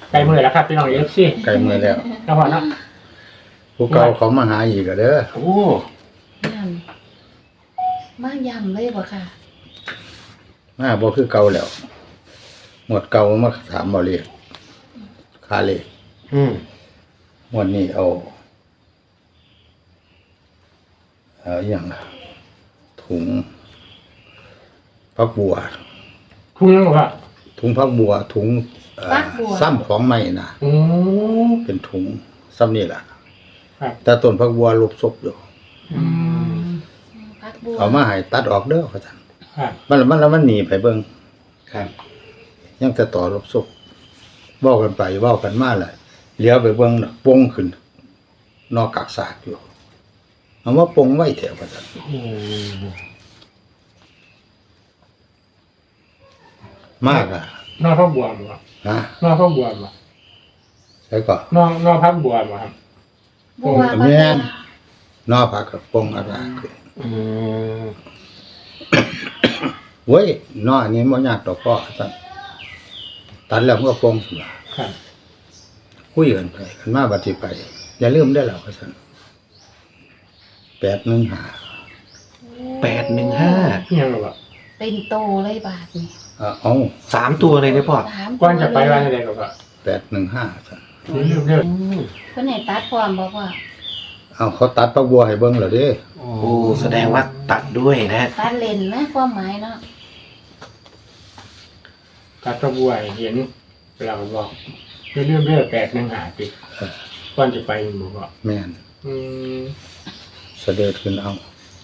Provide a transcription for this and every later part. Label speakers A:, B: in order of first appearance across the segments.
A: ไกลมือแล้วครับพี่น้องFC
B: ไกลมือแล้ว
A: ครับพ่อเนาะ
B: ผู้เก่าเขามาหาอีกเด้อ
C: โอ้
D: ย่ำมากย่ำเลยบ่ค่ะ
B: มาบ่คือเก่าแล้วหมดเก่ามาถามบ่เรียกค่าเลข หมดนี้เอาอย่างล่ะถุงผักบัว
A: ทุ่งยังบ่ครับ
B: ถุงผักบัวถุงซ้ำของใหม่นะ
A: อืม
B: เป็นถุงซ้ำนี่ล่ะ
A: ครับ
B: แต่ต้นผักบัวลบศพอยู่
A: อืม
D: พักบัว
B: เอามาให้ตัดออกเด้อว่าซั่น
A: ครับ
B: มันหนีไปเบิ่ง
C: ครับ
B: ยังแต่ต่อลบศพเว้ากันไปเว้ากันมาแหละเลี้ยวไปเบิ่งน่ะปงขึ้น นอกกักสากอยู่เอามาปงไว้แถวว่าซั่น
C: โอ้
B: มากอ่ะ
A: นอกพักบัวบ่ครับ
B: ฮะ
A: นอกพักบัวบ่
B: แล้วก็
A: นอกพักบัวบ่ครับ
D: บัว
B: แม่น นอกผักกับปงอากาศขึ้น
C: อืม
B: เว้ยนอกอันนี้บ่ยากดอกพ่อซั่นตัดแล้วมันก็ปงสิล่ะ
A: ครับ
B: คุยกันไปกันมาบัดสิไป อย่าลืมได้อแล้วว่าซั่น815
C: 815
A: ยังบ่
D: เป็นโตเลยบาทนี่
B: เอา
C: 3 ตัวเลยนะพ่อ
D: สาม
A: ก่อนจะไปวันใดก็
B: 815ซั่น
A: เรื่อง
D: เพิ่นให้ตัดความบอกว่า
B: เอาเขาตัดผักบัวให้เบิ่งแล้วเด้
C: โอ้แสดงว่าตัดด้วยนะ
D: ตัดเลนนะความหมายเนาะ
A: ตัดพักบัวให้เห็นเราบอกเรื่อง815ติก่อนจะไปบ่พ่อ
B: แม่น
A: อืม
B: เสด็จขึ้นเอา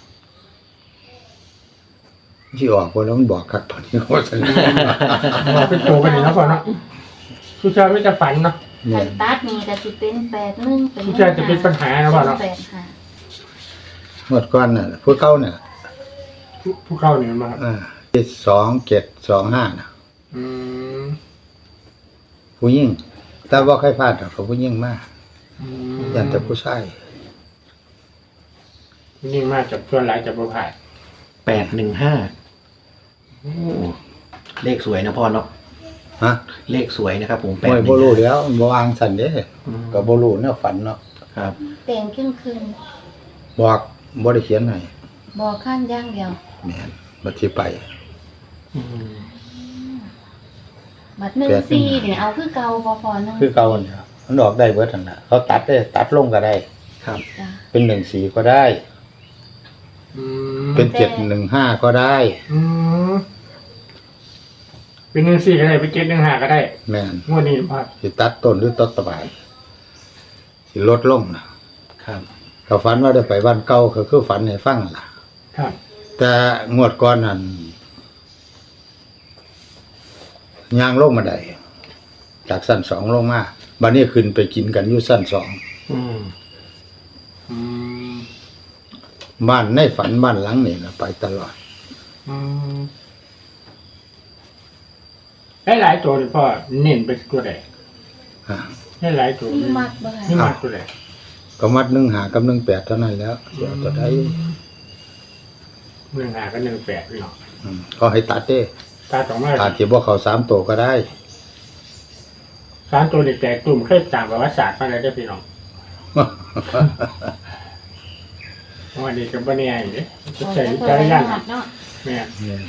B: ที่ออกบ่แล้วมันบอกคักตอนนี้ว่าซั่น
A: ว่าเป็นโตไปนี่เนาะพ่อเนาะผู้ชายไม่จะฝันเนาะ
B: แม่
D: คัน
B: น
D: ตัดนี่ก็สิเป็น81เป็น
A: ผู้ชายจะเป็นปัญหานะพ่อเนาะ
D: 85
B: เมื่อก่อนน่ะผู้เก่าน่ะ
A: ผู้เข้านี่มาครับ
B: 2725น่ะ
A: อืม
B: ผู้หญิงแต่บ่เคยพลาดดอกผู้หญิงมา
A: อืม
B: ยันแต่ผู้ชาย
A: ยิ่งมากจากส่วนหลายจากประพาส
C: 815โอ้เลขสวยนะพ่อเนาะ
B: ฮะ
C: เลขสวยนะครับผม
B: บ่บ่รู้แล้วบ่วางสั่นเด้
C: อืม
B: ก็บ่รู้แนวฝันเนาะ
C: ครับ
D: แต่งครึ่ง
B: บอกบ่ได้เขียนให้
D: ๆบอกข้างอย่างเดียว
B: แม่นบัดสิไป
C: อืม
D: บัด14นี่เอาคือเก่าบ่พอนึง
B: คือเก่าเนี่ยมันออกได้เบิดนั่นน่ะเขาตัดได้ตัดลงก็ได้
C: ครับ
D: จ้ะ
B: เป็น14ก็ได้
A: อืม
B: เป็น715ก็ได้
A: อืมเป็น1-4ก็ได้เป็น7-1-5ก็ได้
B: แม่น
A: งวดนี้พ่อ
B: สิตัดต้นหรือตัดตะไบสิลดลงนะครับ ก็ฝันว่าได้ไปบ้านเก่าก็คือฝันให้ฟังล่ะ
A: ครับ
B: แต่งวดก่อนนั่นย่างลงมาได้จากสั้น2ลงมาบัดนี้ขึ้นไปกินกันอยู่สั้น2
C: อืม
A: อืม
B: บ้านในฝันบ้านหลังนี่ล่ะไปตลอด
A: อืมหลายตัวนี่พ่อเน้นไปตัวใด
B: ฮะ
A: หลายตัว
D: มีมักบ่
A: นี่
D: ค่ะ
A: มากตัวใด
B: ก็มัด1 5กับ1 8เท่านั้นแล้วเสียตัวใด
A: 1-5กับ1-8พี่น้อง
B: ก็ให้ตัดเด้
A: ตาสองมา
B: อาจสิบ่เข้า3ตัวก็ได้
A: 3ตัวนี่แตกกลุ่มเคยตามประวัติศาสตร์มาแล้วเด้อพี่น้องวันนี้ก็บ่แน่อีกเด้จะใช้วิจารณญาณ
D: เนาะ
A: แม่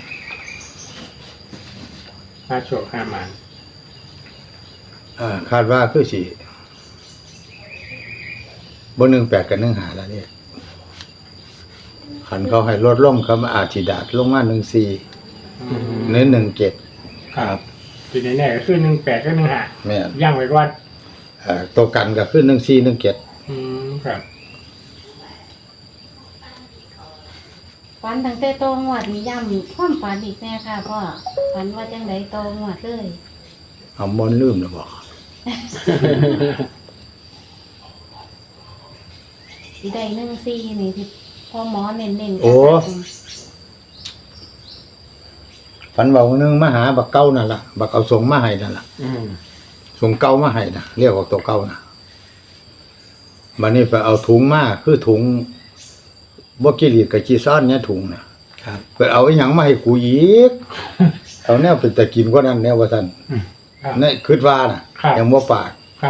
A: มาโชคห้ามัน
B: คาดว่าคือสิบ่18กับ15แล้วเนี่ยคันเขาให้ลดลงเขาอาจสิดาดลงมา14หรือ17
A: ครับทีนี้แน่ก็คือ18กับ15
B: แม่น
A: ย่างไว้ก่อน
B: ตัวกันก็คือ14 17
A: ครับ
D: ฝันตั้งแต่โตงวดนี่ย่ำความฝันอีกแน่ค่ะพ่อฝันว่าจังไดโตงวดเลย
B: เอาบ่ลืมแล้วบ่
D: สิได้14นี่ที่พ่อหมอเน้นๆ
B: โอ้ ฝันว่าวันหนึงมาหาบักเก่านั่นล่ะบักเอาส่งมาให้นั่นล่ะ
C: อืม
B: ส่งเก่ามาให้น่ะเรียกว่าตัวเก่าน่ะบัดนี้ไปเอาถุงมาคือถุงบ่กิริตกับจีซ่อนเนี่ยถุงน่ะ
C: ครับ
B: ไปเอาอีหยังมาให้กูอีก เอาแนวเป็นตะกินกว่านั้นแนวว่าซั่น
A: ครับ
B: นี่คิดว่าน่ะ
A: คครับ
B: ยังบ่ปาก
A: ครับ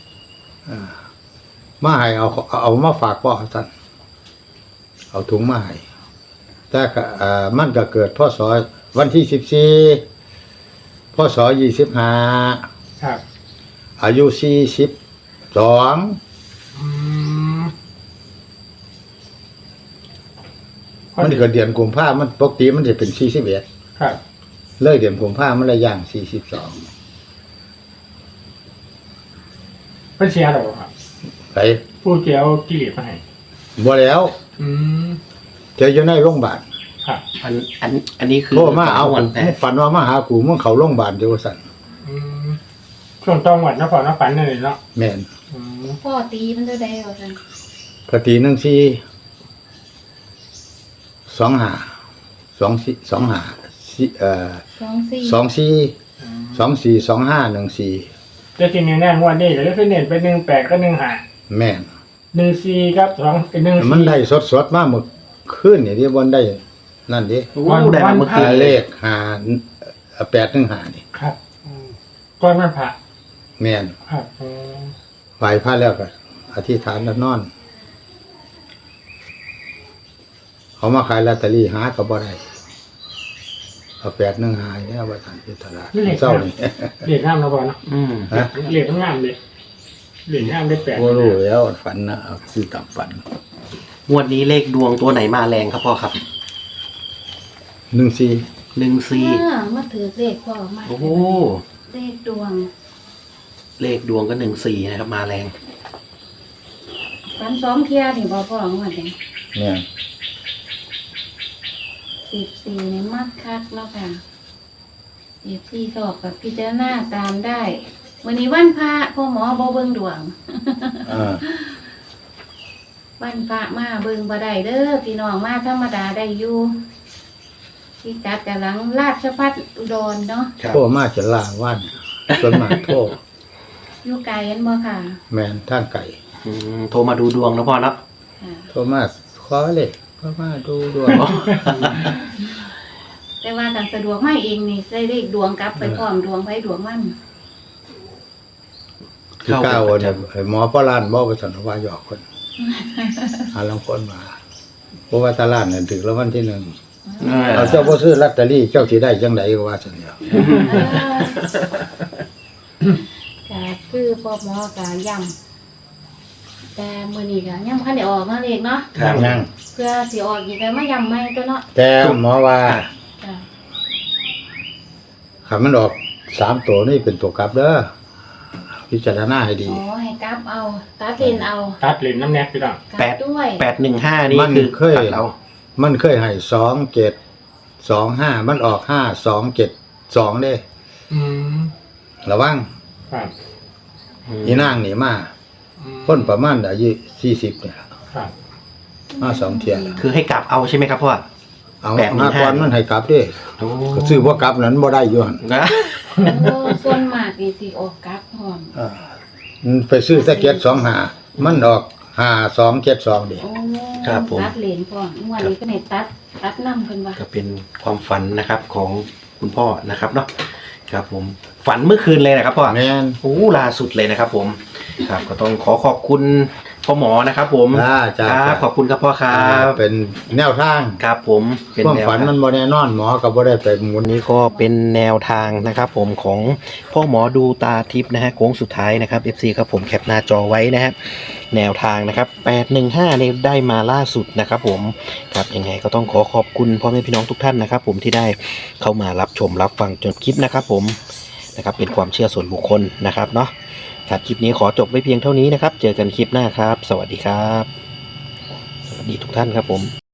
B: มาให้เอามาฝากพ่อท่านเอาถุงมาให้แต่ก็มันก็เกิดพศวันที่14พศ25
A: ครับ
B: อายุ42
A: อืม
B: มันเกิดเดือนกุมภาพันธ์มันปกติมันจะเป็น41
A: ครับ
B: เลยเดือนกุมภาพันธ์มันเลยย่าง42
A: เป็นเสียหรอครับ
B: ไป
A: ผู้เจียวกิเลสมาให้
B: บ่แล้ว
A: อืม
B: เจออยู่ในโรงพยาบาล
A: ครับ
C: อันนี้คือ
B: โทรมาเอา
C: วันแต่
B: ฝันว่ามาหากูมึงเข้าโรงพยาบาลเดี๋ยวสั่น
A: อืมช่วงต้องวัดนครนฝันนั่นเลยเนาะ
B: แม่น
A: อืม
D: พ่อตีมันจะได้เอากัน
B: กตี1 4 2 5 2 4 2 5
D: 24
B: 2 4 2 4 2 5 1 4
A: แต่ทีนี้แน่งวันนี้ก็คือเน้นไป18ก็15
B: แม่น
A: 14ครับ2
B: มันได้สดๆมาเมื่อคืนนี่ที่บนได้นั่นดิ
C: โอ้ได้มาเมื่อคืน
B: เล
C: เลย
B: ข815นี่
A: ครับอืมก้อนมันพระ
B: แม่น
A: ครับอืม
B: ไหว้พระแล้วก็อธิษฐานแล้วนอนเขามาขายลอตเตอรี่หาก็บ่ได้เอา815เนี่ยว่าท่านพิธาราเศร้านี่
A: เรียกงามนะบอลเนาะ
C: อืม
B: ฮะ
A: เรียกงามเลยเรียกงามได้8
B: บ่รู้แล้วฝันนะเอาคือตามฝัน
C: งวดนี้เลขดวงตัวไหนมาแรงครับพ่อครับ
B: 14
D: มาถือเลขพ่อมา
C: โอ้โห
D: เลขดวง
C: เลขดวงก็14นะครับ มาแรง
D: ฝัน2เที่ยนี่บ่พ่อว่าจัง
B: เนี่ย
D: 14นี่มักคักเนาะค่ะ14สอบกับพิจารณาตามได้วันนี้วันพระพ่อหมอบ่เบิ่งดวง วันพระมาเบิ่งบ่ได้เด้อพี่น้องมาธรรมดาได้อยู่ที่กัดกำลังราชพัฒอุดรเนาะ
B: โทรมาจะลาวันส่วนมากโทร
D: อยู่ไกลกันบ่ค่ะ
B: แม่นทางไก่
C: โทรมาดูดวงนะพ่อเนาะ
D: ค่ะ
B: โทรมาขอเลยขอมาดูด้วย
D: แต่ว่าการสะดวกมาเองนี่ได้เลขดวงกลับไปพร้อมดวงไผดวงมัน
B: คือก้าวเนี่ยหมอปลานบอกไปสันว่าหยอกคนหาลังคนมาเพราะว่าตลาดเนี่ยถึงแล้ววันที่ 1เอาเจ้าบ่ซื้อลอตเตอรี่เจ้าสิได้จังไดก็ว่าซั่นเดียว
D: ก็คือพ่อหมอก็ย้ำแต่มื้อนี้ก็ย้ำคันได้ออกมาเลขเนาะ
C: ครับ
B: นั่ง
D: เพื่อสิออกอีกก็มาย้ำใหม่ตัวเนาะ
B: แต่หมอว่า
D: จ้ะ
B: คันมันออก3ตัวนี่เป็นตัวกลับเด้อพิจารณาให้ดี
D: อ๋อให้กลับเอาตัดเลนเอา
A: ตัดเหรียญน้ำแนกพี่น้อง
D: กลับด้วย
C: 815นี่
B: มัน
C: คือ
B: เคย
C: ตัดเรา
B: มันเคยให้2725มันออก5272เด้
A: อืม
B: ระวัง
A: ครับ
B: อีนางนี่มา
A: อืม
B: คนประมาณอายุ40เนี่ย
A: ครับ
B: มา2เที่ยแล้ว
C: คือให้กลับเอาใช่ไหมครับพ่อ
B: เอา
C: 815
B: มาก่อนมันให้กลับเด้
C: โอ้
B: ก็ซื้อบ่กลับนั้นบ่ได้อยู่หั่น
C: นะ
D: โอ้ส่วนมากนี่สิออกกลับพร้อม
B: ไปซื้อแตะเกียบ25มันออก5272เด้
D: โอ้
C: ครับผม
D: ตัดเลนพร้อมงวดนี้ก็ให้ตัดนำเพิ่นว่า
C: ก็เป็นความฝันนะครับของคุณพ่อนะครับเนาะครับผมฝันเมื่อคืนเลยนะครับพ่อ
B: แม่น
C: โอ้ล่าสุดเลยนะครับผมครับก็ต้องขอบคุณพ่อหมอนะครับผม
B: จ้า
C: ครับขอบคุณครับพ่อครับ
B: เป็นแนวทาง
C: ครับผมเป็น
B: ความ
C: แนว
B: ฝัน
C: ทาง
B: มันบ่แน่นอนหมอก็บ่ได้ไปหมุน
C: นี่ก็เป็นแนวทางนะครับผมของพ่อหมอดูตาทิพย์นะฮะโค้งสุดท้ายนะครับ FC ครับผมแคปหน้าจอไว้นะฮะแนวทางนะครับ815เนี่ยได้มาล่าสุดนะครับผมครับยังไงก็ต้องขอบคุณพ่อแม่พี่น้องทุกท่านนะครับผมที่ได้เข้ามารับชมรับฟังจนคลิปนะครับผมนะครับเป็นความเชื่อส่วนบุคคลนะครับเนาะครับคลิปนี้ขอจบไว้เพียงเท่านี้นะครับเจอกันคลิปหน้าครับ สวัสดีครับ สวัสดีทุกท่านครับผม